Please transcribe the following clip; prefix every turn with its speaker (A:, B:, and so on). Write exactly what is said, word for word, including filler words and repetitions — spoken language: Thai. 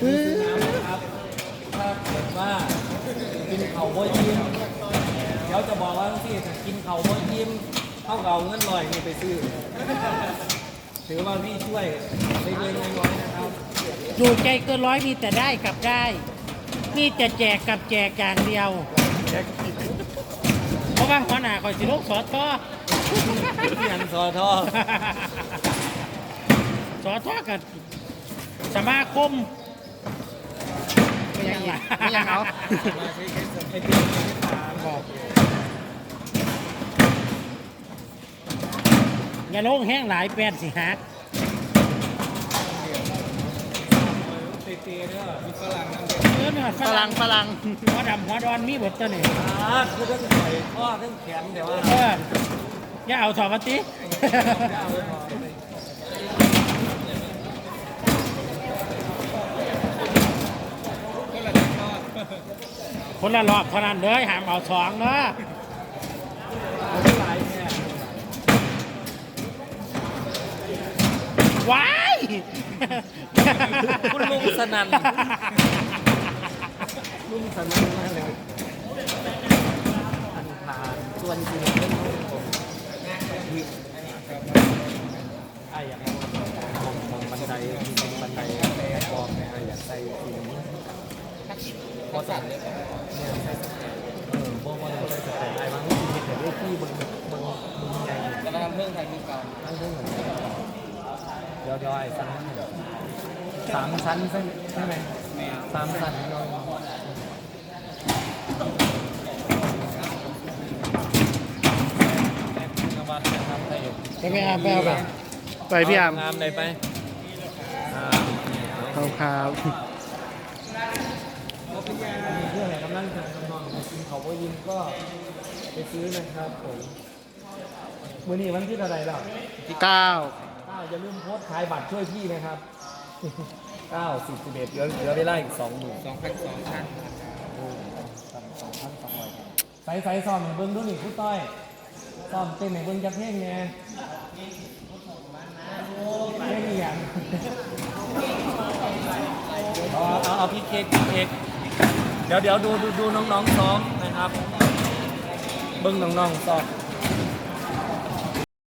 A: ซื้อน้ำนะครับถ้าเกิดว่ากินเข่าบ่ยิ้มเดี๋ยวจะบอกว่าที่ถ้ากินเข่าบ่ยิ้มเท่ากับเงินลอยนี่ไปซื้อถือว่าพี่ช่วยเล็กๆน้อยๆนะครับ
B: อยู่ใจเกินร้อยมีแต่ได้กับได้ มีแต่แจกกับแจกอย่างเดียว เพราะว่าหัวหน้าคอยสิลูกสอทอ
A: เงินซอทอ
B: สอทอกับสมาคม
C: ไม่ยังอีกไม่ยังเอา
A: มาใช้แค่ไอเดียที่ถามบอก
B: อย่าลงแห้งหลายแปดสิฮัก
A: เตะๆเนี่ยมีฝรั่งนั่ง
B: เออเนี่ย
C: ฝรั่งฝรั่ง
B: หัวดำหัวดอนมีเบทตัวนี่
A: อ่าคือทั้งใส่ข้อทั้งแขนเดี๋ยวว่า
B: เอออย่าเอาสอบมาติ
A: เอาไว้พอ
B: คนละรอบเท่านั้นเลยห้ามเอาสองเนาะ
A: หลายเนี่ย
B: ว้าย
A: คุณลุงสนั่นลุงสนั่นมากเลยอันผ่านส่วนจริงเป็นลุงผมไอ้อยากมองมองบันไดมองบันไดบอกเนี่ยไอ้อยากใส่ทีนี้พอสั่นเนี่ยใส่เออพวกมันใส่สแตนไอ้บางทีเห็นได้ที่บนบนบนใหญ่
C: จะมาทำเรื่องไทยมือเก่า
A: นั่งเรื่องเหมือนกันเดี๋ยวเดี๋ยวไอ้ชั้นสามชั้นใช่ใช่ไหมสามชั้นเรานวัดนะครับไป
C: ไปไม่เอาไปเอาไปไปพี่อาม
A: งามไหนไปอ่า
C: เอาครับ
A: เพื่อนไหนกำลังจะนอนกินเขาก็ยินก็ไปซื้อนะครับผมวันนี้วันที่เท่าไหร่แล้ว
C: เก้า
A: เก้าอย่าลืมโพสต์ขายบัตรช่วยพี่นะครับเก้าสิบสิบเอ็ดเหลือเหลือเวลาอีกสองหมื่นสองพันสองพันสองพันสองร้อยใส่ใส่ซ้อมให้เบิ้งด้วยนี่ผู้ต้อยซ้อมเต้นให้เบิ้งจะเพลงไงเพลงอีหยังเอาเอาเอาพี่เค้กพี่เค้กเดี๋ยวเดี๋ยวดูดูดูน้องๆซ้อมนะครับเบิ้งน้องๆซ้อม